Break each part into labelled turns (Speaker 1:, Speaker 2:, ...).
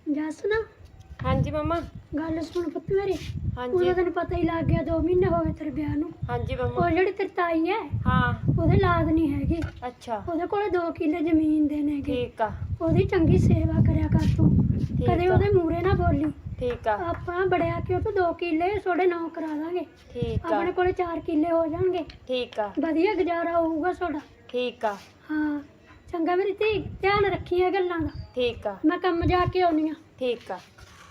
Speaker 1: ਜੱਸ ਨਾ
Speaker 2: हाँ जी मम्मा।
Speaker 1: ਗੱਲ ਸੁਣ ਪੁੱਤ ਮੇਰੀ।
Speaker 2: हाँ
Speaker 1: ਉਹਦਾ
Speaker 2: जी।
Speaker 1: ਤੈਨੂੰ ਪਤਾ ਹੀ ਲੱਗ ਗਿਆ 2 ਮਹੀਨੇ ਹੋ ਗਏ ਤੇਰੇ ਵਿਆਹ ਨੂੰ।
Speaker 2: हाँ जी मम्मा।
Speaker 1: ਉਹ ਜਿਹੜੀ ਤੇਰੀ ਤਾਈ ਹੈ
Speaker 2: हाँ।
Speaker 1: ਉਹਦੇ ਲਾਦ ਨਹੀਂ ਹੈਗੀ।
Speaker 2: अच्छा
Speaker 1: ਉਹਦੇ ਕੋਲੇ 2 ਕਿੱਲੇ ਜ਼ਮੀਨ ਦੇ ਨੇਗੇ।
Speaker 2: ठीक आ।
Speaker 1: ਉਹਦੀ ਚੰਗੀ ਸੇਵਾ ਕਰਿਆ ਕਰ ਤੂੰ। ਕਦੇ
Speaker 2: ਆ।
Speaker 1: ਉਹਦੇ ਮੂਹਰੇ ਨਾ ਬੋਲੀ।
Speaker 2: ठीक आ।
Speaker 1: ਆਪਾਂ ਬੜਿਆ ਕਿ ਉਹ ਤੋਂ 2 ਕਿੱਲੇ ਤੁਹਾਡੇ ਨਾਂ ਕਰਾ ਦਾਂਗੇ।
Speaker 2: ठीक आ।
Speaker 1: ਆਪਣੇ ਕੋਲੇ 4 ਕਿੱਲੇ ਹੋ ਜਾਣਗੇ।
Speaker 2: ठीक आ।
Speaker 1: ਵਧੀਆ ਗੁਜ਼ਾਰਾ ਹੋਊਗਾ ਤੁਹਾਡਾ।
Speaker 2: ठीक आ।
Speaker 1: ਹਾਂ ਚੰਗਾ ਮੇਰੀ ਧੀ, ਧਿਆਨ ਰੱਖੀ ਇਹ ਗੱਲਾਂ ਦਾ।
Speaker 2: ठीक आ।
Speaker 1: ਮੈਂ ਕੰਮ ਜਾ ਕੇ ਆਉਣੀ ਆ।
Speaker 2: ठीक आ।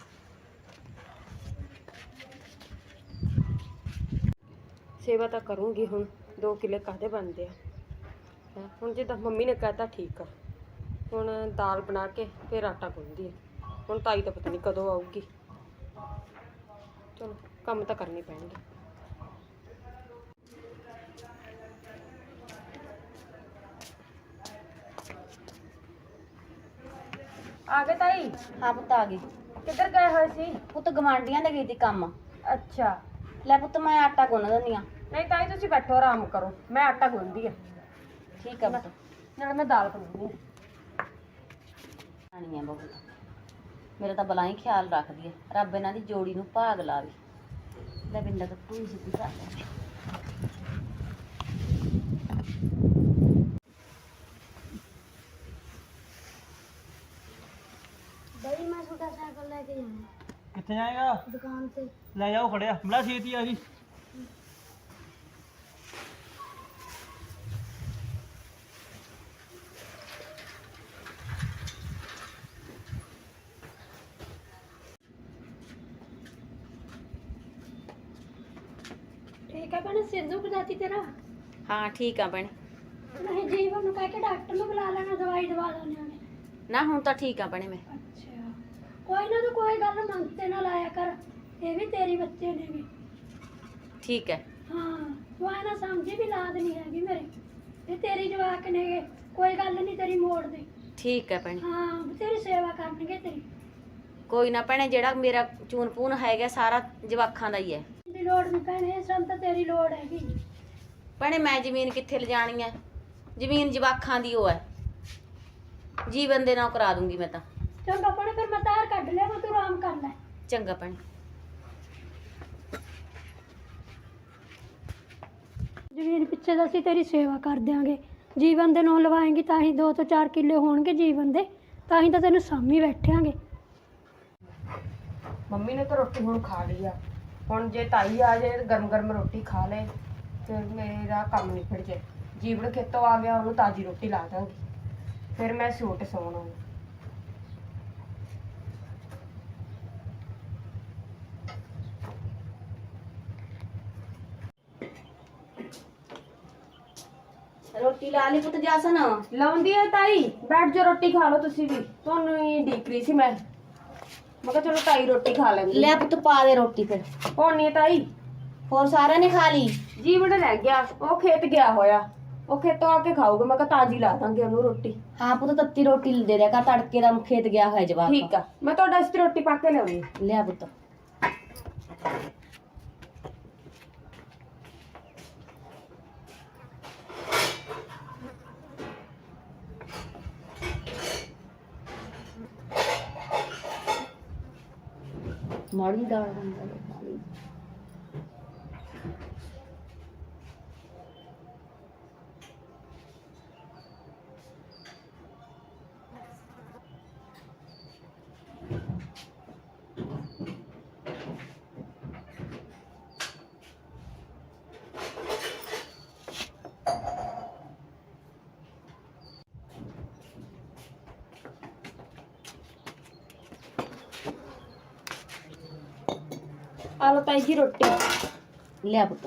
Speaker 2: सेवा तो करूँगी हुण। 2 किले काहदे बनते हैं हुण जिद्दां मम्मी ने कहता ठीक आ। हुण दाल बना के फिर आटा गुन्नदी है। हुण ताई तो पता नहीं कदों आऊगी। चलो कम तो करने पैणगे। आ गए ताई?
Speaker 3: हाँ पुत्त आ गई।
Speaker 2: किधर गए हुए सी?
Speaker 3: पुत्त गवांढियां दे गई थी काम।
Speaker 2: अच्छा।
Speaker 3: ले पुत्त मैं आटा गुन्न दिंदी आ।
Speaker 2: नहीं ताई तुसी बैठो आराम करो, मैं आटा गुन्नदी है।
Speaker 3: ठीक है पुत्त।
Speaker 2: नाले मैं दाल बनाऊंगी।
Speaker 3: आनी है बहुत मेरा तो बला ही ख्याल रखदी है। रब इन्हां दी जोड़ी नूं भाग लावे। ले बिंदा तो पूरी सिद्धी कर ले।
Speaker 1: ਬਈ ਮੈਂ ਛੋਟਾ ਸਾਈਕਲ ਲੈ ਕੇ ਜਾਣਾ
Speaker 4: ਕਿੱਥੇ ਜਾਏਗਾ?
Speaker 1: ਦੁਕਾਨ ਤੇ।
Speaker 4: ਲੈ ਜਾਓ ਖੜਿਆ ਬੜਾ ਛੇਤੀ ਆ ਜੀ।
Speaker 1: ਠੀਕ ਹੈ ਭੈਣੇ, ਸਿਰ ਦੁਖ ਜਾਤੀ ਤੇਰਾ?
Speaker 3: हाँ ठीक है भैणे।
Speaker 1: ਨਹੀਂ ਜੀਵਨ ਨੂੰ ਕਹਿ ਕੇ ਡਾਕਟਰ ਨੂੰ ਬੁਲਾ ਲੈਣਾ, ਦਵਾਈ ਦਵਾ ਲੈਣੇ ਉਹਨੇ।
Speaker 3: ना हुण तो ठीक है भैणे मैं।
Speaker 1: ਅੱਛਾ ਕੋਈ ਨਾ, ਤੂੰ ਕੋਈ ਗੱਲ ਮੰਗਤੇ ਨਾ ਲਾਇਆ ਕਰ। ਇਹ ਵੀ ਤੇਰੀ ਬੱਚੇ ਨੇਗੇ।
Speaker 3: ठीक है।
Speaker 1: ਹਾਂ ਤੂੰ ਐ ਨਾ ਸਮਝੀ ਵੀ ਲਾਦ ਨਹੀਂ ਹੈਗੀ ਮੇਰੇ। ਇਹ ਤੇਰੀ ਜਵਾਕ ਨੇਗੇ, ਕੋਈ ਗੱਲ ਨਹੀਂ ਤੇਰੀ ਮੋੜ ਦੇ।
Speaker 3: ठीक है भैणे।
Speaker 1: ਹਾਂ ਤੇਰੀ ਸੇਵਾ ਕਰਨਗੇ ਤੇਰੀ।
Speaker 3: कोई ना भैणे, जेड़ा मेरा चून पून हैगा सारा जवाखां दा ही है।
Speaker 1: ਦੀ ਲੋੜ ਨਹੀਂ ਭੈਣੇ, ਸਾਨੂੰ ਤਾਂ ਤੇਰੀ ਲੋੜ ਹੈਗੀ।
Speaker 3: भैणे मैं जमीन कित्थे लिजाणी है? जमीन जवाखां दी ओ है। जीवन दे नाल करा दूंगी मैं तां।
Speaker 1: ਚੰਗਾ ਭੈਣੇ, ਫਿਰ ਮੈਂ ਤਾਰ ਕੱਢ ਲਿਆ, ਤੂੰ ਆਰਾਮ ਕਰ ਲੈ।
Speaker 3: चंगा भैणे।
Speaker 1: ਜ਼ਮੀਨ ਪਿੱਛੇ ਤਾਂ ਅਸੀਂ ਤੇਰੀ ਸੇਵਾ ਕਰ ਦਿਆਂਗੇ। ਜੀਵਨ ਦੇ ਨਾਂ ਲਵਾਏਂਗੀ ਤਾਂ ਹੀ 2 ਤੋਂ 4 ਕਿੱਲੇ ਹੋਣਗੇ ਜੀਵਨ ਦੇ, ਤਾਂ ਹੀ ਤਾਂ ਤੈਨੂੰ ਸਾਂਭੀ ਬੈਠਾਂਗੇ।
Speaker 2: मम्मी ने तो रोटी हुण खा ली आ। हुण जे ताई आ जाए गरम गरम रोटी खा ले फिर मेरा काम निपट जाए। जीवन खेतों आ गया, उन्होंने ताजी रोटी ला दांगी, फिर मैं सूट सौना।
Speaker 3: रोटी ला ली पुत्त जासन?
Speaker 2: लाउंदी है ताई, बैठ जाओ रोटी खा लो तुसी भी। तुहानू ही ढीक रही सी मैं कहा चलो ताई रोटी खा लेंगे।
Speaker 3: ले पुत्त पा दे रोटी फिर।
Speaker 2: होनी है ताई?
Speaker 3: होर सारे ने खा ली?
Speaker 2: जीवन रह गया, वो खेत गया होया, वो खेतों आके खाऊगा। मैं कहा ताजी ला दांगे ओनू रोटी।
Speaker 3: हाँ पुत्त तत्ती रोटी दे दिया कर, तड़के दा खेत गया है जवाब।
Speaker 2: ठीक है, मैं तो वास्ते रोटी पाके लियाऊंगी।
Speaker 3: लिया पुत्त। माड़ी दाल बन गई।
Speaker 2: आ लो ताई जी रोटी।
Speaker 3: लिया पुत्त।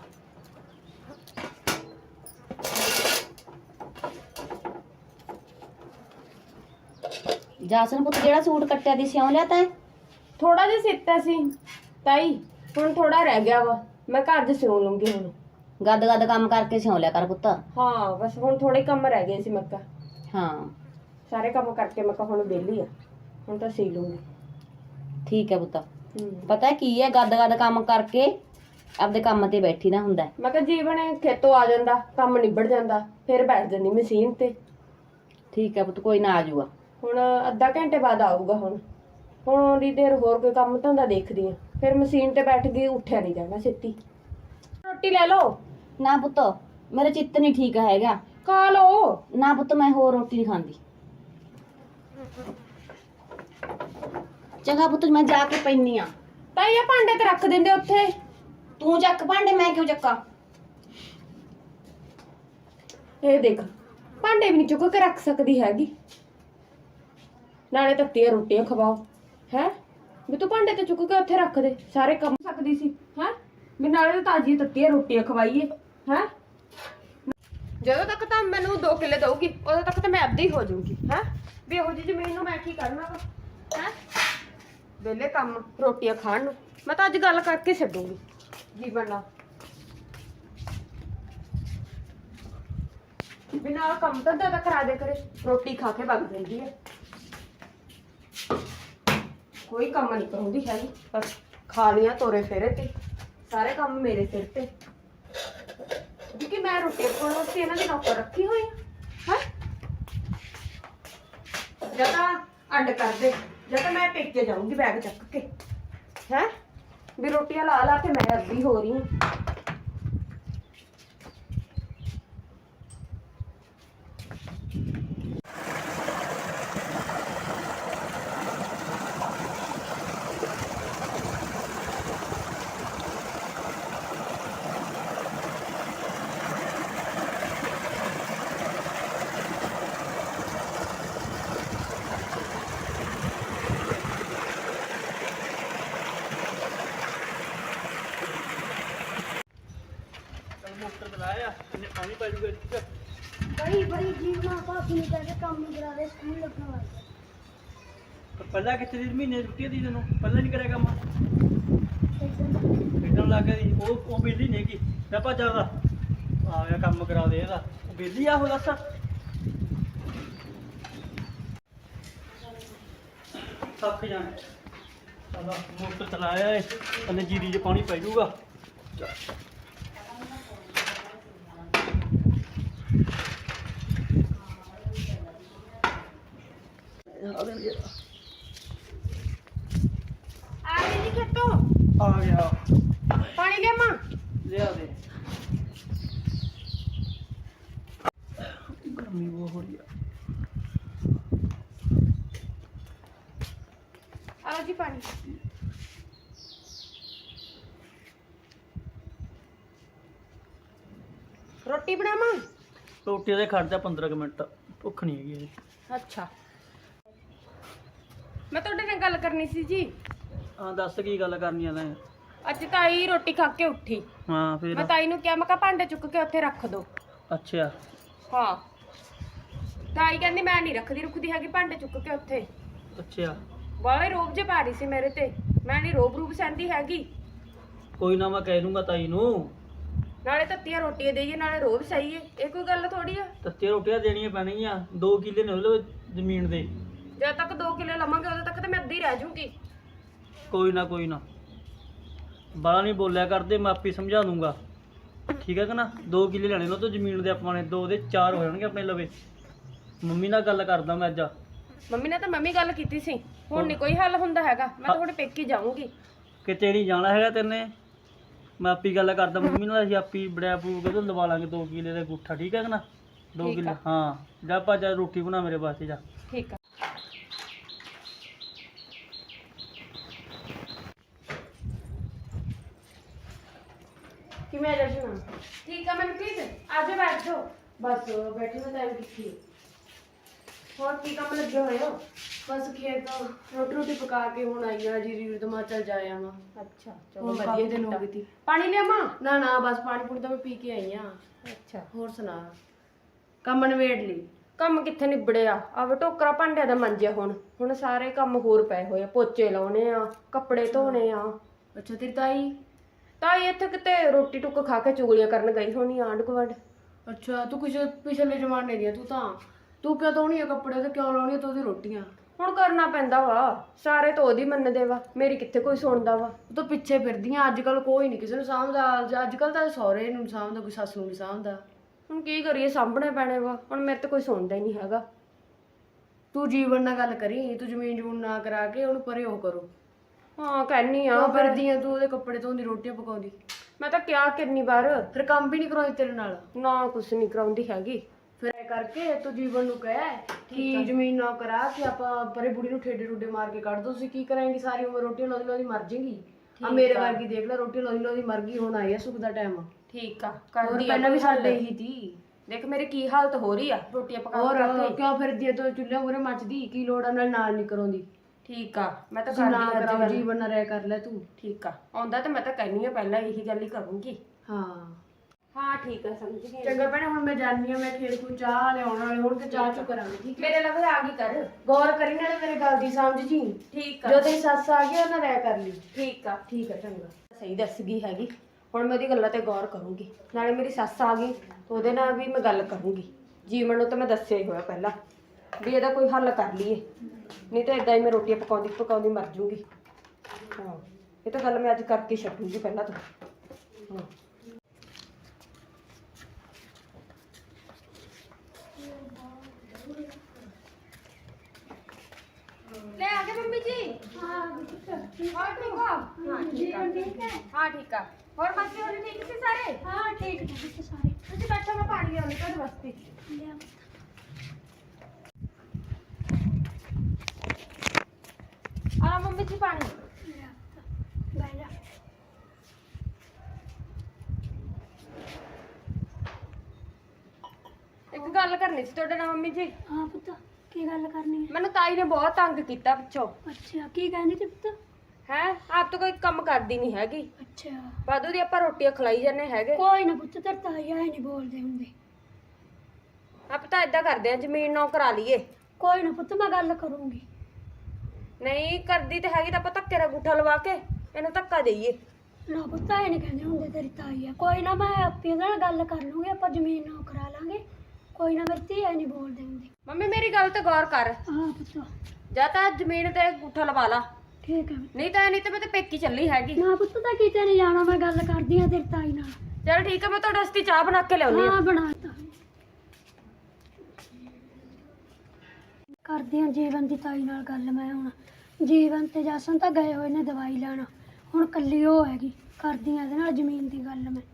Speaker 3: जासन पुत्त जेड़ा सूट कट्टिया दी सिउं लिया तैं?
Speaker 2: थोड़ा जिहा सीता सी ताई, हुण थोड़ा रह गया वा, मैं घर च सिउं लूंगी हुण।
Speaker 3: गद गद काम करके सिउं लिया कर पुत्त।
Speaker 2: हाँ बस हुण थोड़े कम रह गए सी। मैं कहा
Speaker 3: हाँ
Speaker 2: सारे काम करके मैं कहा हुण वेली आ, हुण तां सी लूंगी।
Speaker 3: ठीक है पुत्त। पता है की है, गद गद काम करके ਆਪਦੇ ਕੰਮ ਤੇ ਬੈਠੀ ਨਾ ਹੁੰਦਾ।
Speaker 2: ਮੈਂ ਕਿਹਾ ਜੀਵਨ ਖੇਤੋਂ ਆ ਜਾਂਦਾ, ਕੰਮ ਨਿਬੜ ਜਾਂਦਾ, ਫਿਰ ਬੈਠ ਜਾਂਦੀ ਮਸ਼ੀਨ ਤੇ।
Speaker 3: ਠੀਕ ਹੈ ਪੁੱਤ, ਕੋਈ ਨਾ ਆ ਜਾਊਗਾ।
Speaker 2: ਹੁਣ ਅੱਧਾ ਘੰਟੇ ਬਾਅਦ ਆਊਗਾ। ਹੁਣ ਹੁਣ ਦੀ ਦੇਰ ਹੋਰ ਕੋਈ ਕੰਮ ਧੰਦਾ ਦੇਖਦੀ ਆ, ਫਿਰ ਮਸ਼ੀਨ ਤੇ ਬੈਠ ਕੇ ਉੱਠਿਆ ਨਹੀਂ ਜਾਣਾ ਛੇਤੀ। ਰੋਟੀ ਲੈ ਲਓ।
Speaker 3: ਨਾ ਪੁੱਤ, ਮੇਰਾ ਚਿੱਤ ਨਹੀਂ ਠੀਕ ਹੈਗਾ।
Speaker 2: ਖਾ ਲਓ।
Speaker 3: ਨਾ ਪੁੱਤ, ਮੈਂ ਹੋਰ ਰੋਟੀ ਨਹੀਂ ਖਾਂਦੀ। ਚੰਗਾ ਪੁੱਤ, ਮੈਂ ਜਾ ਕੇ ਪੈਣੀ ਆ।
Speaker 2: ਤਾਂ ਇਹ ਭਾਂਡੇ ਤੇ ਰੱਖ ਦਿੰਦੇ ਉੱਥੇ।
Speaker 3: ਤੂੰ ਚੱਕ ਭਾਂਡੇ, ਮੈਂ ਕਿਉਂ ਚੱਕਾਂ?
Speaker 2: ਇਹ ਦੇਖ, ਭਾਂਡੇ ਵੀ ਨਹੀਂ ਚੁੱਕ ਕੇ ਰੱਖ ਸਕਦੀ ਹੈਗੀ, ਨਾਲੇ ਤੱਤੀਆਂ ਰੋਟੀਆਂ ਖਵਾਓ ਹੈ। ਵੀ ਤੂੰ ਭਾਂਡੇ ਤੇ ਚੁੱਕ ਕੇ ਉੱਥੇ ਰੱਖ ਦੇ, ਸਾਰੇ ਕੰਮ ਸਕਦੀ ਸੀ ਹੈ। ਵੀ ਨਾਲੇ ਤਾਂ ਤਾਜ਼ੀ ਤੱਤੀਆਂ ਰੋਟੀਆਂ ਖਵਾਈਏ ਹੈ। ਜਦੋਂ ਤੱਕ ਤਾਂ ਮੈਨੂੰ 2 ਕਿੱਲੇ ਦਊਗੀ ਉਦੋਂ ਤੱਕ ਤਾਂ ਮੈਂ ਅੱਧੀ ਹੋ ਜਾਊਗੀ ਹੈ। ਵੀ ਇਹੋ ਜਿਹੀ ਜ਼ਮੀਨ ਨੂੰ ਮੈਂ ਕੀ ਕਰਨਾ ਵਾ ਹੈ। ਵਿਹਲੇ ਕੰਮ ਰੋਟੀਆਂ ਖਾਣ ਨੂੰ। ਮੈਂ ਤਾਂ ਅੱਜ ਗੱਲ ਕਰਕੇ ਛੱਡੂਗੀ ਜੀਵਨ ਨਾਲ। ਬਿਨਾਂ ਕੰਮ ਧੰਦਾ ਤਾਂ ਕਰਾ ਦੇ ਕਰੇ, ਰੋਟੀ ਖਾ ਕੇ ਵਗ ਜਾਂਦੀ ਹੈ। ਕੋਈ ਕੰਮ ਨਹੀਂ ਕਰਾਉਂਦੀ ਹੈਗੀ, ਬਸ ਖਾ ਲਿਆ ਤੋਰੇ ਫੇਰੇ ਤੇ ਸਾਰੇ ਕੰਮ ਮੇਰੇ ਸਿਰ ਤੇ। ਕਿਉਂਕਿ ਮੈਂ ਰੋਟੀ ਪਕਾਉਣ ਵਾਸਤੇ ਇਹਨਾਂ ਦੀ ਨੌਕਰ ਰੱਖੀ ਹੋਈ ਹੈ। ਜਾਂ ਤਾਂ ਅੱਡ ਕਰ ਦੇ, ਜਾਂ ਤਾਂ ਮੈਂ ਪੇਕੇ ਜਾਊਂਗੀ ਬੈਗ ਚੱਕ ਕੇ ਹੈ। ਵੀ ਰੋਟੀਆਂ ਲਾ ਲਾ ਕੇ ਮੈਂ ਅੱਧੀ ਹੋ ਰਹੀ ਹਾਂ।
Speaker 4: ਮੋਟਰ ਚਲਾਇਆ ਇਹਨੇ ਪਾਣੀ ਪੈ ਜੂਗਾ ਇੱਥੇ।
Speaker 1: ਬੜੀ ਜੀਵਨਾ ਭਾਬੀ ਨੇ ਕਹਿੰਦੇ ਕੰਮ ਨਹੀਂ ਕਰਾ ਦੇ, ਸਕੂਲ ਲੱਗਣ ਵਾਲਾ।
Speaker 4: ਪਹਿਲਾਂ ਕਿੱਥੇ ਦੀ ਮਹੀਨੇ ਦੀ ਛੁੱਟੀ ਦੀ ਤੈਨੂੰ ਪਹਿਲਾਂ ਨਹੀਂ ਕਰਿਆ ਕੰਮ? ਖੇਡਣ ਲੱਗ ਗਈ ਉਹ ਬਿੱਲੀ ਨਹੀਂ ਹੈਗੀ ਮੈਂ ਭੱਜਾ ਉਹਦਾ ਆ ਗਿਆ ਕੰਮ ਕਰਾ ਦੇ ਇਹਦਾ। ਉਹ ਬਿੱਲੀ ਆ ਉਹ ਦੱਸ। ਥੱਕ ਜਾਣਾ। ਚਲੋ ਮੋਟਰ ਚਲਾਇਆ ਏ, ਥੱਲੇ ਜੀਰੀ 'ਚ ਪਾਣੀ ਪੈ ਜੂਗਾ।
Speaker 2: ਆ ਗਈ ਜੀ ਖੇਤੋਂ।
Speaker 4: ਆ ਗਿਆ।
Speaker 2: ਪਾਣੀ ਲਿਆਵਾਂ?
Speaker 4: ਲਿਆ ਦੇ। ਗਰਮੀ ਬਹੁਤ ਹੋ ਰਹੀ ਆ।
Speaker 2: ਆਓ ਜੀ ਪਾਣੀ। ਰੋਟੀ ਬਣਾਵਾਂ?
Speaker 4: ਰੋਟੀ ਦੇ ਖੜ ਜਾ 15 ਕੁ ਮਿੰਟ, ਭੁੱਖ ਨਹੀਂ ਹੈਗੀ ਅਜੇ।
Speaker 2: ਅੱਛਾ, ਮੈਂ ਤੁਹਾਡੇ ਨਾਲ ਗੱਲ ਕਰਨੀ ਸੀ ਜੀ।
Speaker 4: ਹਾਂ ਦੱਸ ਕੀ ਗੱਲ ਕਰਨੀ ਆ ਤੈਂ?
Speaker 2: ਅੱਜ ਤਾਈ ਰੋਟੀ ਖਾ ਕੇ ਉੱਠੀ।
Speaker 4: ਹਾਂ ਫਿਰ?
Speaker 2: ਮੈਂ ਤਾਈ ਨੂੰ ਕਿਹਾ, ਮੈਂ ਕਿਹਾ ਭਾਂਡੇ ਚੁੱਕ ਕੇ ਉੱਥੇ ਰੱਖ ਦੋ।
Speaker 4: ਅੱਛਾ।
Speaker 2: ਹਾਂ, ਤਾਈ ਕਹਿੰਦੀ ਮੈਂ ਨਹੀਂ ਰੁਕਦੀ ਹੈਗੀ ਭਾਂਡੇ ਚੁੱਕ ਕੇ ਉੱਥੇ।
Speaker 4: ਅੱਛਾ।
Speaker 2: ਬਾਲੇ ਰੋਬ ਜੇ ਪਾ ਰਹੀ ਸੀ ਮੇਰੇ ਤੇ। ਮੈਂ ਨਹੀਂ ਰੋਬ ਸਹਿੰਦੀ ਹੈਗੀ।
Speaker 4: ਕੋਈ ਨਾ ਮੈਂ ਕਹਿ ਦੂੰਗਾ ਤਾਈ ਨੂੰ।
Speaker 2: ਨਾਲੇ ਤੱਤੀਆਂ ਰੋਟੀਆਂ ਦੇਈਏ ਨਾਲੇ ਰੋਬ ਸਹੀਏ, ਇਹ ਕੋਈ ਗੱਲ ਥੋੜੀ ਆ।
Speaker 4: ਤੱਤੀਆਂ ਰੋਟੀਆਂ ਦੇਣੀਆਂ ਪੈਣਗੀਆਂ। 2 ਕਿੱਲੇ ਨੇ ਉਹਦੇ ਜ਼ਮੀਨ ਦੇ।
Speaker 2: ਜਦ ਤੱਕ 2 ਕਿੱਲੇ ਲਵਾਂਗੇ ਉਦੋਂ ਤੱਕ ਤਾਂ ਮੈਂ ਅੱਧੀ ਰਹਿ ਜੂਗੀ।
Speaker 4: ਕੋਈ ਨਾ ਕੋਈ ਨਾ, ਬਾਲਾ ਨਹੀਂ ਬੋਲਿਆ ਕਰਦੇ, ਮੈਂ ਆਪੇ ਸਮਝਾ ਦੂੰਗਾ। ਠੀਕ ਹੈ ਕਿ ਨਾ? 2 ਕਿੱਲੇ ਲੈਣੇ ਨੇ ਉਹ ਤੋਂ ਜ਼ਮੀਨ ਦੇ ਆਪਾਂ ਨੇ, 2 ਦੇ 4 ਹੋ ਜਾਣਗੇ ਆਪਣੇ ਲਵੇ। ਮੰਮੀ ਨਾਲ ਗੱਲ ਕਰਦਾ ਮੈਂ ਅੱਜ।
Speaker 2: ਮੰਮੀ ਨੇ ਤਾਂ ਗੱਲ ਕੀਤੀ ਸੀ, ਹੁਣ ਨਹੀਂ ਕੋਈ ਹੱਲ ਹੁੰਦਾ ਹੈਗਾ। ਮੈਂ ਤਾਂ ਤੁਹਾਡੇ ਪੇਕੇ ਜਾਊਂਗੀ।
Speaker 4: ਕਿਤੇ ਨਹੀਂ ਜਾਣਾ ਹੈਗਾ ਤੈਨੇ, ਮੈਂ ਆਪੀ ਗੱਲ ਕਰਦਾ ਮੰਮੀ ਨਾਲ। ਅਸੀਂ ਆਪੀ ਬੜਿਆ ਪੂ ਕੇ ਲਵਾ ਲਾਂਗੇ 2 ਕਿੱਲੇ ਦਾ ਗੁੱਠਾ। ਠੀਕ ਹੈ ਕਿ ਨਾ? 2
Speaker 2: ਠੀਕ
Speaker 4: ਕਿੱਲੇ।
Speaker 2: ਆ।
Speaker 4: ਹਾਂ ਜਾ ਭਾ ਜਾ, ਰੋਟੀ ਬਣਾ ਮੇਰੇ ਵਾਸਤੇ ਜਾ।
Speaker 2: ਠੀਕ ਆ। ਕਿਵੇਂ ਆ ਜਸ਼ਨ? ਠੀਕ ਆ ਮਨਪ੍ਰੀਤ, ਆ ਜਾ ਬੈਠ ਜਾਓ। ਬਸ ਬੈਠੇ ਦਾ ਟਾਈਮ ਕਿੱਥੇ? ਹੋਰ ਕੀ ਕੰਮ ਲੱਗੇ ਹੋਏ ਹੋ?
Speaker 5: ਬਸ ਖੇਤ ਰੋਟੀ ਪਕਾ ਕੇ ਹੁਣ ਆਈ ਆ ਜੀ। ਰੀਰ ਦਮਾ ਚੱਲ ਜਾਇਆ ਵਾ।
Speaker 2: ਅੱਛਾ
Speaker 5: ਚਲੋ ਵਧੀਆ ਦਿਨ ਹੋ ਗਈ ਤੀ।
Speaker 2: ਪਾਣੀ ਲਿਆਵਾਂ?
Speaker 5: ਨਾ ਬਸ ਪਾਣੀ ਪੂਣੀ ਤਾਂ ਮੈਂ ਪੀ ਕੇ ਆਈ ਆ।
Speaker 2: ਅੱਛਾ,
Speaker 5: ਹੋਰ ਸੁਣਾ, ਕੰਮ ਨਵੇੜ ਲਈ?
Speaker 2: ਕੰਮ ਕਿੱਥੇ ਨਿਬੜਿਆ? ਆਵੇ ਟੋਕਰਾ ਭਾਂਡਿਆਂ ਦਾ ਮੰਜਿਆ। ਹੁਣ ਸਾਰੇ ਕੰਮ ਹੋਰ ਪਏ ਹੋਏ ਆ। ਪੋਚੇ ਲਾਉਣੇ ਆ, ਕੱਪੜੇ ਧੋਣੇ ਆ।
Speaker 5: ਅੱਛਾ, ਤੇਰੀ ਤਾਈ?
Speaker 2: ਤਾਈ ਇੱਥੇ ਕਿਤੇ ਰੋਟੀ ਟੁੱਕ ਖਾ ਕੇ ਚੁਗਲੀਆਂ ਕਰਨ ਗਈ ਹੋਣੀ ਆਂਢ ਗੁਆਂਢ।
Speaker 5: ਅੱਛਾ, ਤੂੰ ਕੁਛ ਪਿਛਲੇ ਜ਼ਮਾਨੇ ਦੀ ਆ। ਤੂੰ ਕਿਉਂ ਧੋਣੀ ਆ ਕੱਪੜੇ ਤੇ ਕਿਉਂ ਲਾਉਣੀ ਆ ਤੂੰ ਉਹਦੀ ਰੋਟੀਆਂ?
Speaker 2: ਹੁਣ ਕਰਨਾ ਪੈਂਦਾ ਵਾ, ਸਾਰੇ ਤਾਂ ਉਹਦੀ ਮੰਨਦੇ ਵਾ, ਮੇਰੀ ਕਿੱਥੇ ਕੋਈ ਸੁਣਦਾ ਵਾ।
Speaker 5: ਉਹ ਤਾਂ ਪਿੱਛੇ ਫਿਰਦੀਆਂ। ਅੱਜ ਕੱਲ ਕੋਈ ਨਹੀਂ ਕਿਸੇ ਨੂੰ ਸਾਂਭਦਾ। ਅੱਜ ਕੱਲ ਤਾਂ ਸਹੁਰੇ ਨੂੰ ਸਾਂਭਦਾ, ਕੋਈ ਸੱਸ ਨੂੰ ਨਹੀਂ ਸਾਂਭਦਾ।
Speaker 2: ਹੁਣ ਕੀ ਕਰੀਏ, ਸਾਂਭਣੇ ਪੈਣੇ ਵਾ। ਹੁਣ ਮੇਰੇ ਤੇ ਕੋਈ ਸੁਣਦਾ ਹੀ ਨਹੀਂ ਹੈਗਾ।
Speaker 5: ਤੂੰ ਜੀਵਨ ਨਾਲ ਗੱਲ ਕਰੀ, ਤੂੰ ਜ਼ਮੀਨ ਜਮੂਨ ਨਾ ਕਰਾ ਕੇ ਉਹਨੂੰ ਪਰੇ ਉਹ ਕਰੋ।
Speaker 2: ਹਾਂ ਕਹਿਨੀ ਆ
Speaker 5: ਕਿਉਂ ਫਿਰਦੀ ਆ ਤੂੰ ਉਹਦੇ ਕੱਪੜੇ ਧੋਂਦੀ, ਰੋਟੀਆਂ ਪਕਾਉਂਦੀ,
Speaker 2: ਮੈਂ ਤਾਂ ਕਿਹਾ ਕਿੰਨੀ ਵਾਰ,
Speaker 5: ਫਿਰ ਕੰਮ ਵੀ ਨਹੀਂ ਕਰਾਉਂਦੀ ਤੇਰੇ ਨਾਲ।
Speaker 2: ਨਾ ਕੁਛ ਨਹੀਂ ਕਰਾਉਂਦੀ ਹੈਗੀ।
Speaker 5: ਫਿਰ ਇਹ ਕਰਕੇ ਤੂੰ ਜੀਵਨ ਨੂੰ ਕਹਿ ਕਿ ਜ਼ਮੀਨ ਨਾ ਕਰਾ ਕਿ ਆਪਾਂ ਪਰੇ ਬੁੜੀ ਨੂੰ ਠੇਡੇ ਠੁੱਡੇ ਮਾਰ ਕੇ ਕੱਢ ਦੋ। ਤੁਸੀਂ ਕੀ ਕਰਾਂਗੀ ਸਾਰੀ ਉਮਰ? ਰੋਟੀ ਲਾਉਂਦੀ ਲਾਉਂਦੀ ਮਰ ਜਾਏਗੀ। ਆ ਮੇਰੇ ਵਰਗੀ ਦੇਖ ਲੈ, ਰੋਟੀ ਲਾਉਂਦੀ ਲਾਉਂਦੀ ਮਰ ਗਈ, ਹੁਣ ਆਈ ਆ ਸੁੱਖ ਦਾ ਟਾਈਮ।
Speaker 2: ਠੀਕ ਆ
Speaker 5: ਹੋਰ
Speaker 2: ਕਰਦੀ ਆ
Speaker 5: ਪਹਿਲਾਂ ਵੀ
Speaker 2: ਕੋਈ ਹੱਲ।
Speaker 5: ਸਾਡੇ ਹੀ ਸੀ।
Speaker 2: ਦੇਖ ਮੇਰੀ ਕੀ ਹਾਲਤ ਹੋ ਰਹੀ ਆ ਰੋਟੀਆਂ ਪਕਾ
Speaker 5: ਹੋਰ
Speaker 2: ਕੇ।
Speaker 5: ਕਿਉਂ ਫਿਰਦੀ ਐ ਤੂੰ ਚੁੱਲ੍ਹੇ ਮੂਹਰੇ ਮੱਚਦੀ? ਕੀ ਲੋੜ ਆ ਨਾਲ ਨਹੀਂ ਕਰਾਉਂਦੀ?
Speaker 2: ਠੀਕ ਆ ਮੈਂ ਤਾਂ
Speaker 5: ਤੁਸੀਂ ਨਾ
Speaker 2: ਕਰਦੀ ਆ
Speaker 5: ਕਰਾਓ,
Speaker 2: ਅੱਜ।
Speaker 5: ਜੀਵਨ ਨਾਲ ਰਹਿ ਕਰ ਲੈ ਤੂੰ।
Speaker 2: ਠੀਕ ਆ ਆਉਂਦਾ ਤਾਂ ਮੈਂ ਤਾਂ ਕਹਿਨੀ ਆ ਪਹਿਲਾਂ ਇਹੀ ਗੱਲ ਹੀ ਕਰੂੰਗੀ।
Speaker 5: ਹਾਂ
Speaker 2: ਹਾਂ ਠੀਕ ਆ ਸਮਝ ਗਈ।
Speaker 5: ਚੰਗਾ ਭੈਣੇ, ਹੁਣ ਮੈਂ ਜਾਣੀ ਆ, ਮੈਂ ਖੇਤ ਨੂੰ ਚਾਹ ਲਿਆਉਣ ਵਾਲੇ ਹੁਣ ਤੇ ਚਾਹ ਚੁ ਕਰਾਂਗੇ, ਠੀਕ ਹੈ?
Speaker 2: ਮੇਰੇ ਲਵੇ ਆ ਗਈ ਕਰ।
Speaker 5: ਗੌਰ ਕਰੀ ਨਾਲੇ ਮੇਰੇ ਗੱਲ ਦੀ ਸਮਝ ਜੀ।
Speaker 2: ਠੀਕ ਆ
Speaker 5: ਜੋ ਤੇਰੀ ਸੱਸ ਆ ਗਈ ਉਹਨਾਂ ਰਹਿ ਕਰ ਲਈ।
Speaker 2: ਠੀਕ ਆ
Speaker 5: ਠੀਕ ਹੈ ਚੰਗਾ।
Speaker 2: ਸਹੀ ਦੱਸ ਗਈ ਹੈਗੀ। ਹੁਣ ਮੈਂ ਉਹਦੀ ਗੱਲਾਂ ਤੇ ਗੌਰ ਕਰੂੰਗੀ। ਨਾਲੇ ਮੇਰੀ ਸੱਸ ਆ ਗਈ ਤਾਂ ਉਹਦੇ ਨਾਲ ਵੀ ਮੈਂ ਗੱਲ ਕਰੂੰਗੀ। ਜੀਵਨ ਨੂੰ ਤਾਂ ਮੈਂ ਦੱਸਿਆ ਹੀ ਹੋਇਆ ਪਹਿਲਾਂ ਵੀ ਇਹਦਾ ਕੋਈ ਹੱਲ ਕਰ ਲਈਏ, ਨਹੀਂ ਤਾਂ ਇਦਾਂ ਹੀ ਮੈਂ ਰੋਟੀਆਂ ਪਕਾਉਂਦੀ ਮਰ ਜੂੰਗੀ। ਹਾਂ ਇਹ ਤਾਂ ਗੱਲ ਮੈਂ ਅੱਜ ਕਰਕੇ ਛੱਡੂੰਗੀ ਪਹਿਲਾਂ ਤਾਂ। ਹਾਂ ले आ गए मम्मी जी।
Speaker 1: हाँ
Speaker 2: और ठीक हो? हाँ ठीक है।
Speaker 1: ठीक है।
Speaker 2: हाँ ठीक है। और मस्ती हो रही ठीक सी सारे?
Speaker 1: हाँ ठीक है तो सारे
Speaker 2: तुझे बैठो मैं पानी ले आऊंगी तेरे वास्ते।
Speaker 1: ले आओ।
Speaker 2: आ मम्मी जी पानी।
Speaker 1: ले आओ। बैठ जा।
Speaker 2: एक गल करनी सी ਤੁਹਾਡੇ ਨਾਲ ਮੰਮੀ ਜੀ।
Speaker 1: हाँ पुत्र की गल करनी है?
Speaker 2: ਮੈਨੂੰ ਤਾਈ ਨੇ ਬਹੁਤ ਤੰਗ ਕੀਤਾ ਪਿੱਛੋਂ।
Speaker 1: अच्छा की कहनी थी पुत्र?
Speaker 2: ਹੈ ਆਪ ਤਾਂ ਕੋਈ ਕੰਮ ਕਰਦੀ ਨਹੀਂ ਹੈਗੀ।
Speaker 1: अच्छा
Speaker 2: ਵਾਧੂ ਦੀ ਆਪਾਂ ਰੋਟੀਆਂ ਖਲਾਈ ਜਾਂਦੇ ਹੈਗੇ।
Speaker 1: कोई ना पुत्र तेरे ताई आए नहीं बोलते होंगे।
Speaker 2: ਆਪ ਤਾਂ ਇਦਾਂ ਕਰਦੇ ਆ ਜ਼ਮੀਨ ਨੌ ਕਰਾ ਲਈਏ।
Speaker 1: कोई ना पुत्र मैं गल करूंगी।
Speaker 2: ਨਹੀਂ ਕਰਦੀ ਤੇ ਹੈਗੀ ਤਾਂ ਆਪਾਂ ਧੱਕੇ ਦਾ ਅੰਗੂਠਾ ਲਵਾ ਕੇ ਇਹਨੂੰ ਧੱਕਾ ਦੇਈਏ।
Speaker 1: ना पुत्र आए नहीं कहते होंगे तेरी ताई है। कोई ना मैं आपी ਨਾਲ गल कर लूंगी, ਆਪਾਂ ਜ਼ਮੀਨ ਨਾ ਕਰਾ ਲਾਂਗੇ। कोई ना मेरी धी आए नहीं बोलते होंगे।
Speaker 2: ਮੰਮੀ ਮੇਰੀ ਗੱਲ ਤੇ ਗੌਰ ਕਰ।
Speaker 1: हाँ पुत्र
Speaker 2: ਜਾਂ ਤਾਂ ਜ਼ਮੀਨ ਤੇ ਅੰਗੂਠਾ ਲਵਾ ਲਾ,
Speaker 1: ठीक है।
Speaker 2: ਨਹੀਂ ਤਾਂ ਮੈਂ ਤੇ ਪੇਕੀ ਚੱਲੀ ਹੈਗੀ।
Speaker 1: ना पुत्र ਤਾਂ ਕਿਤੇ ਨਹੀਂ ਜਾਣਾ, ਮੈਂ ਗੱਲ ਕਰਦੀ ਆ ਤੇਰੀ ਤਾਈ ਨਾਲ।
Speaker 2: ਚਲ ਠੀਕ ਹੈ ਮੈਂ ਤੁਹਾਡੇ ਵਾਸਤੇ ਚਾਹ ਬਣਾ ਕੇ ਲਿਆਉਣੀ ਆ।
Speaker 1: ਹਾਂ ਬਣਾਤਾ। ਕਰਦੀ ਆ ਜੀਵਨ ਦੀ ਤਾਈ ਨਾਲ ਗੱਲ ਮੈਂ ਹੁਣ। ਜੀਵਨ ਤੇ ਜਸਨ ਤਾਂ ਗਏ ਹੋਏ ਨੇ ਦਵਾਈ ਲੈਣ, ਹੁਣ ਕੱਲੀ ਉਹ ਹੈਗੀ। ਕਰਦੀ ਆ ਇਹਦੇ ਨਾਲ ਜ਼ਮੀਨ ਦੀ ਗੱਲ ਮੈਂ।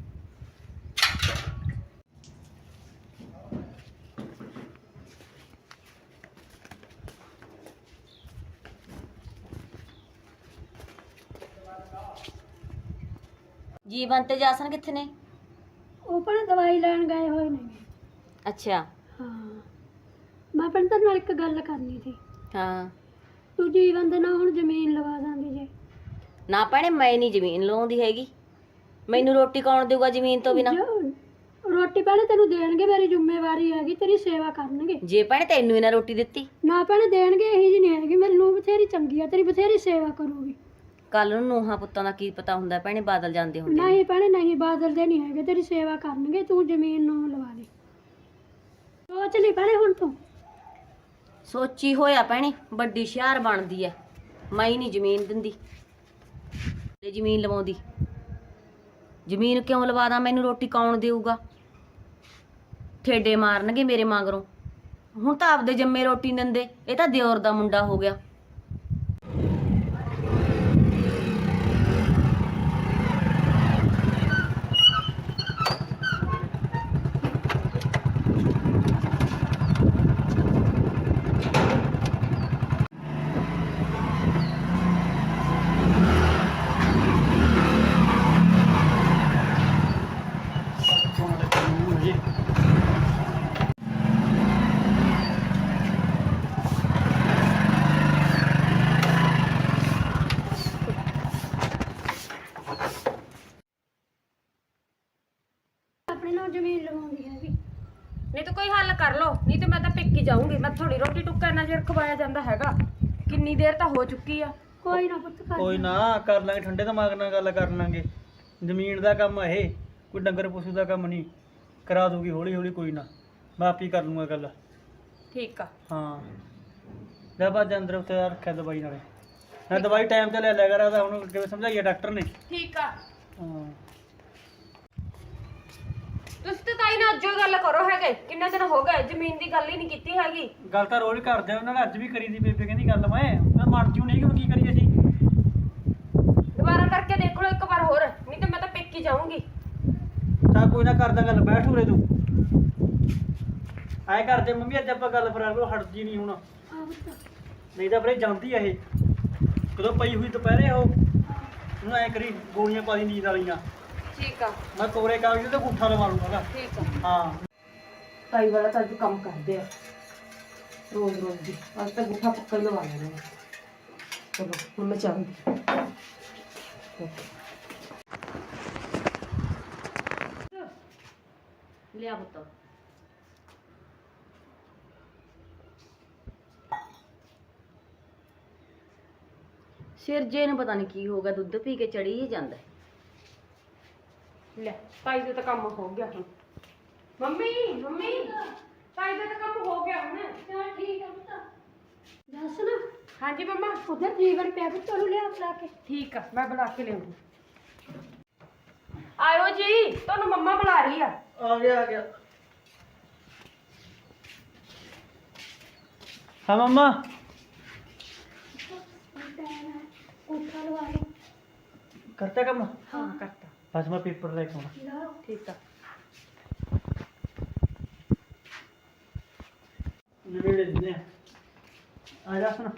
Speaker 3: ਜੀਵਨ ਤੇ ਜਾਸਨ ਕਿੱਥੇ ਨੇ?
Speaker 1: ਉਹ ਭੈਣੇ ਦਵਾਈ ਲੈਣ ਗਏ ਹੋਏ ਨੇ।
Speaker 3: ਅੱਛਾ
Speaker 1: ਹਾਂ ਮੈਂ ਭੈਣੇ ਤੇਰੇ ਨਾਲ ਇੱਕ ਗੱਲ ਕਰਨੀ ਸੀ।
Speaker 3: ਹਾਂ।
Speaker 1: ਤੂੰ ਜੀਵਨ ਦੇ ਨਾਲ ਹੁਣ ਜ਼ਮੀਨ ਲਵਾ ਦਾਂਗੀ ਜੇ?
Speaker 3: ਨਾ ਭੈਣੇ ਮੈਂ ਨਹੀਂ ਜ਼ਮੀਨ ਲਾਉਂਦੀ ਹੈਗੀ, ਮੈਨੂੰ ਰੋਟੀ ਕੌਣ ਦੇਊਗਾ ਜ਼ਮੀਨ ਤੋਂ ਬਿਨਾ?
Speaker 1: ਰੋਟੀ ਭੈਣੇ ਤੈਨੂੰ ਦੇਣਗੇ, ਮੇਰੀ ਜ਼ਿੰਮੇਵਾਰੀ ਹੈਗੀ, ਤੇਰੀ ਸੇਵਾ ਕਰਨਗੇ।
Speaker 3: ਜੇ ਭੈਣੇ ਤੈਨੂੰ ਇਹਨਾਂ ਰੋਟੀ ਦਿੱਤੀ?
Speaker 1: ਨਾ ਭੈਣੇ ਦੇਣਗੇ, ਇਹੀ ਜਿਹੀ ਨਹੀਂ ਹੈਗੀ। ਮੈਨੂੰ ਬਥੇਰੀ ਚੰਗੀ ਆ, ਤੇਰੀ ਬਥੇਰੀ ਸੇਵਾ ਕਰੂਗੀ।
Speaker 3: ਕੱਲ ਨੂੰ ਨੂੰਹਾਂ ਪੁੱਤਾਂ ਦਾ ਕੀ ਪਤਾ ਹੁੰਦਾ ਭੈਣੇ, ਬਾਦਲ ਜਾਂਦੇ ਹੁੰਦੇ ਨੇ।
Speaker 1: ਨਹੀਂ ਭੈਣੇ ਨਹੀਂ, ਬਾਦਲਦੇ ਨਹੀਂ ਹੈਗੇ, ਤੇਰੀ ਸੇਵਾ ਕਰਨਗੇ। ਤੂੰ ਜ਼ਮੀਨ ਨੂੰ ਲਵਾ ਦੇ। ਸੋਚ ਲਈ ਭੈਣੇ ਹੁਣ ਤੂੰ।
Speaker 3: ਸੋਚੀ ਹੋਇਆ ਭੈਣੇ, ਵੱਡੀ ਸ਼ਹਿਰ ਬਣਦੀ ਐ। ਮੈਂ ਹੀ ਨਹੀਂ ਜ਼ਮੀਨ ਦਿੰਦੀ ਤੇ ਜ਼ਮੀਨ ਲਵਾਉਂਦੀ। ਜ਼ਮੀਨ ਕਿਉਂ ਲਵਾ ਦਾਂ? ਮੈਨੂੰ ਰੋਟੀ ਕੌਣ ਦੇਊਗਾ? ਠੇਡੇ ਮਾਰਨਗੇ ਮੇਰੇ ਮਗਰੋਂ। ਹੁਣ ਤਾਂ ਆਪਦੇ ਜੰਮੇ ਰੋਟੀ ਨੀ ਦਿੰਦੇ, ਇਹ ਤਾਂ ਦਿਓਰ ਦਾ ਮੁੰਡਾ ਹੋ ਗਿਆ।
Speaker 1: ਆਪਣੇ ਨਾਲ ਜ਼ਮੀਨ ਲਵਾਉਂਦੀ ਹੈਗੀ।
Speaker 2: ਨਹੀਂ ਤਾਂ ਕੋਈ ਹੱਲ ਕਰ ਲਓ, ਨਹੀਂ ਤੇ ਮੈਂ ਤਾਂ ਪੇਕੀ ਜਾਊਂਗੀ। ਮੈਂ ਥੋੜੀ ਰੋਟੀ ਟੁੱਕਾ ਇੰਨਾ ਚਿਰ ਖਵਾਇਆ ਜਾਂਦਾ ਹੈਗਾ, ਕਿੰਨੀ ਦੇਰ ਤਾਂ ਹੋ ਚੁੱਕੀ ਆ।
Speaker 1: ਕੋਈ ਨਾ ਪੁੱਤ ਕਰ
Speaker 4: ਕੋਈ ਨਾ ਕਰ ਲਾਂਗੇ, ਠੰਡੇ ਦਿਮਾਗ ਨਾਲ ਗੱਲ ਕਰ ਲਾਂਗੇ। ਜ਼ਮੀਨ ਦਾ ਕੰਮ ਇਹ ਕੋਈ ਡੰਗਰ ਪਸ਼ੂ ਦਾ ਕੰਮ ਨਹੀਂ। ਕਰਾ ਦੂਗੀ ਹੌਲੀ ਹੌਲੀ, ਕੋਈ ਨਾ ਮੈਂ ਆਪ ਹੀ ਕਰ ਲੂੰਗਾ ਗੱਲ।
Speaker 2: ਠੀਕ ਆ
Speaker 4: ਹਾਂ ਲੈ ਬਾਅਦ ਅੰਦਰ ਉੱਤੇ ਰੱਖਿਆ ਦਵਾਈ ਨਾਲੇ। ਮੈਂ ਦਵਾਈ ਟਾਈਮ ਤੇ ਲੈ ਲਿਆ ਕਰਾਂ, ਤਾਂ ਹੁਣ ਕਿਵੇਂ ਸਮਝਾਈਏ ਡਾਕਟਰ ਨੇ।
Speaker 2: ਠੀਕ ਆ।
Speaker 4: ਹਾਂ
Speaker 2: ਤੁਸੀਂ ਤਾਂ ਤਾਈ ਨਾਲ ਅੱਜੋ ਗੱਲ ਕਰੋ ਹੈਗੇ, ਕਿੰਨੇ ਦਿਨ ਹੋ ਗਏ ਜ਼ਮੀਨ ਦੀ ਗੱਲ ਹੀ ਨਹੀਂ ਕੀਤੀ ਹੈਗੀ।
Speaker 4: ਗੱਲ ਤਾਂ ਰੋਜ਼ ਕਰਦੇ ਆ, ਉਹਨਾਂ ਨੇ ਅੱਜ ਵੀ ਕਰੀ ਦੀ। ਬੇਬੇ ਕਹਿੰਦੀ ਗੱਲ ਮੈਂ ਮਨ ਜੂ ਨਹੀਂ ਕਿ ਕੀ ਕਰੀਏ ਅਸੀਂ।
Speaker 2: ਦੁਬਾਰਾ ਕਰਕੇ ਦੇਖ ਲਓ ਇੱਕ ਵਾਰ ਹੋਰ, ਨਹੀਂ ਤਾਂ ਮੈਂ ਤਾਂ ਪੇਕੀ ਜਾਊਂਗੀ।
Speaker 4: ਚੱਲ ਕੋਈ ਨਾ ਕਰਦਾ ਗੱਲ, ਬੈਠ ਉਰੇ ਤੂੰ। ਐਂ ਕਰਦੇ ਮੰਮੀ, ਅੱਜ ਆਪਾਂ ਗੱਲ ਫਰਾ ਲਓ, ਹਟਦੀ ਨਹੀਂ ਹੁਣ, ਨਹੀਂ ਤਾਂ ਫਿਰ ਇਹ ਜਾਂਦੀ ਆ ਇਹ। ਕਦੋਂ ਪਈ ਹੋਈ ਦੁਪਹਿਰੇ ਉਹ, ਉਹਨੂੰ ਐਂ ਕਰੀ ਗੋਲੀਆਂ ਪਾ ਦੀ ਨੀਂਦ ਵਾਲੀਆਂ।
Speaker 2: ਠੀਕ ਆ,
Speaker 4: ਮੈਂ ਕੋਰੇ ਕਾਗਜ਼ ਤੇ ਗੁੱਠਾ ਲਵਾ ਲੂੰਗਾ।
Speaker 2: ਠੀਕ ਆ।
Speaker 4: ਹਾਂ
Speaker 2: ਤਾਈ ਵਾਲਾ ਤਾਂ ਅੱਜ ਕੰਮ ਕਰਦੇ ਆ ਰੋਜ਼ ਰੋਜ਼ ਦੀ, ਅੱਜ ਤਾਂ ਗੁੱਠਾ ਪੱਕਾ ਹੀ ਲਵਾ ਲੈਣਾ। ਚਲੋ ਹੁਣ ਮੈਂ ਚੱਲਦੀ।
Speaker 3: ਲਿਆ ਪੁੱਤ। ਸਿਰ ਜੇ ਨੂੰ ਪਤਾ ਨਹੀਂ ਕੀ ਹੋ ਗਿਆ, ਦੁੱਧ ਪੀ ਕੇ ਚੜੀ ਹੀ ਜਾਂਦਾ।
Speaker 2: ਲੈ ਤਾਈ ਦਾ ਤਾਂ ਕੰਮ ਹੋ ਗਿਆ ਹੁਣ। ਮੰਮੀ ਮੰਮੀ, ਤਾਈ ਦਾ ਤਾਂ ਕੰਮ ਹੋ ਗਿਆ ਹੁਣ।
Speaker 1: ਚਲ ਠੀਕ ਹੈ ਪੁੱਤ। ਦੱਸ ਨਾ,
Speaker 2: ਹਾਂਜੀ ਮੰਮਾ।
Speaker 1: ਉਧਰ ਜੀਵਨ ਪਿਆ ਪੁੱਤ ਨੂੰ ਲਿਆ ਬੁਲਾ ਕੇ।
Speaker 2: ਠੀਕ ਆ, ਮੈਂ ਬੁਲਾ ਕੇ ਲਿਆਉਂਗੀ। ਆਇਓ ਜੀ, ਤੁਹਾਨੂੰ ਮੰਮਾ ਬੁਲਾ ਰਹੀ ਆ।
Speaker 4: ਆ ਗਿਆ ਆ ਗਿਆ। ਹਾਂ ਮੰਮਾ।
Speaker 1: ਕੋਠਾ ਲਵਾ ਲਓ।
Speaker 4: ਕਰਤਾ ਕੰਮ?
Speaker 2: ਹਾਂ ਕਰਤਾ।
Speaker 4: ਬਸ ਮੈਂ ਪੇਪਰ ਲੈ ਕੇ ਆਉਣਾ।
Speaker 1: ਲਾਓ।
Speaker 2: ਠੀਕ ਆ।
Speaker 4: ਨਵੇੜੇ ਦਿੰਦੇ ਆ ਜਾ ਸੁਣ।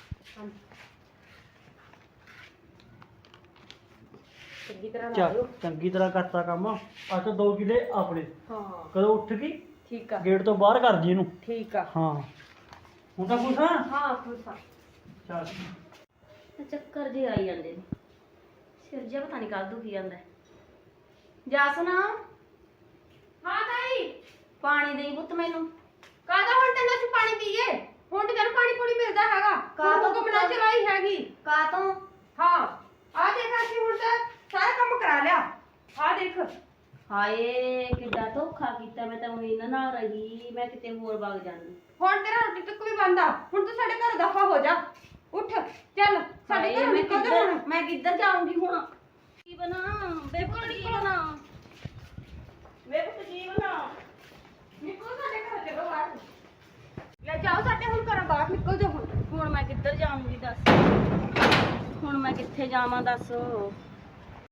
Speaker 2: ਚੰਗੀ ਤਰ੍ਹਾਂ ਲਾ
Speaker 4: ਚੱਲ
Speaker 2: ਲਿਓ।
Speaker 4: ਚੰਗੀ ਤਰ੍ਹਾਂ ਕਰਤਾ ਕੰਮ। ਅੱਜ ਤਾਂ 2 ਕਿਲੇ ਆਪਣੇ।
Speaker 2: ਹਾਂ
Speaker 4: ਕਦੋਂ ਉੱਠ ਗਈ
Speaker 2: ਠੀਕ ਆ।
Speaker 4: ਗੇਟ ਤੋਂ ਬਾਹਰ ਕਰ ਜੀ ਇਹਨੂੰ।
Speaker 2: ਠੀਕ ਆ।
Speaker 4: ਹਾਂ ਹੁਣ ਤਾਂ ਕੁਛ। ਹਾਂ
Speaker 2: ਹਾਂ ਖੁਸ਼ ਆ।
Speaker 4: ਚੱਲ
Speaker 3: ਚੱਕਰ ਜੇ ਆਈ ਜਾਂਦੇ ਨੇ, ਸਿਰ ਜਿਹਾ ਪਤਾ ਨਹੀਂ ਕੱਲ ਦੁਖੀ ਜਾਂਦਾ। ਜਾਸਨ,
Speaker 2: ਹਾਂ ਤਾਈ,
Speaker 3: ਪਾਣੀ ਦੇਈ ਪੁੱਤ ਮੈਨੂੰ।
Speaker 2: ਕਾਹਦਾ ਹੁਣ ਤੈਨੂੰ ਅਸੀਂ ਪਾਣੀ ਪੀਏ? ਹੁਣ ਤੇ ਤੈਨੂੰ ਪਾਣੀ ਪੂਣੀ ਮਿਲਦਾ ਹੈਗਾ।
Speaker 3: ਕਾਹਤੋਂ
Speaker 2: ਤੂੰ ਬਣਾ ਚਲਾਈ ਹੈਗੀ।
Speaker 3: ਕਾ ਤੋਂ?
Speaker 2: ਹਾਂ ਆ ਦੇਖ, ਅਸੀਂ ਹੁਣ ਤਾਂ ਸਾਰਾ ਕੰਮ ਕਰਾ ਲਿਆ। ਆ ਦੇਖ।
Speaker 3: ਹਾਏ ਕਿੱਡਾ ਧੋਖਾ ਕੀਤਾ, ਮੈਂ ਤਾਂ ਉਹ ਇਹਨਾਂ ਨਾਲ ਰਹੀ, ਮੈਂ ਕਿਤੇ ਹੋਰ ਵਗ ਜਾਂਦੀ।
Speaker 2: ਹੁਣ ਤੇਰਾ ਰੋਟੀ ਤੱਕ ਵੀ ਬੰਦਾ। ਹੁਣ ਤੂੰ ਸਾਡੇ ਘਰ ਦਫਾ ਹੋ ਜਾ। ਉੱਠ ਚੱਲ, ਸਾਡੇ
Speaker 3: ਹਾਏ,
Speaker 2: ਘਰ
Speaker 3: ਮੈਂ
Speaker 2: ਨਿਕਲ ਜਾ
Speaker 3: ਕਿੱਧਰ
Speaker 2: ਹੁਣ।
Speaker 3: ਮੈਂ ਕਿੱਧਰ ਜਾਊਂਗੀ ਹੁਣ? ਕੀ ਬਣਾ ਬੇਬੇ, ਕੀ ਬਣਾ ਬੇਬੇ, ਕੀ ਬਣਾ?
Speaker 2: ਨਿਕਲ ਸਾਡੇ ਘਰ, ਚਲੋ ਬਾਹਰ। ਲੈ ਜਾਓ ਸਾਡੇ ਹੁਣ ਘਰੋਂ ਬਾਹਰ, ਨਿਕਲ ਜਾ ਹੁਣ।
Speaker 3: ਹੁਣ ਮੈਂ ਕਿੱਧਰ ਜਾਊਂਗੀ ਦੱਸ? ਹੁਣ ਮੈਂ ਕਿੱਥੇ ਜਾਵਾਂ ਦੱਸ?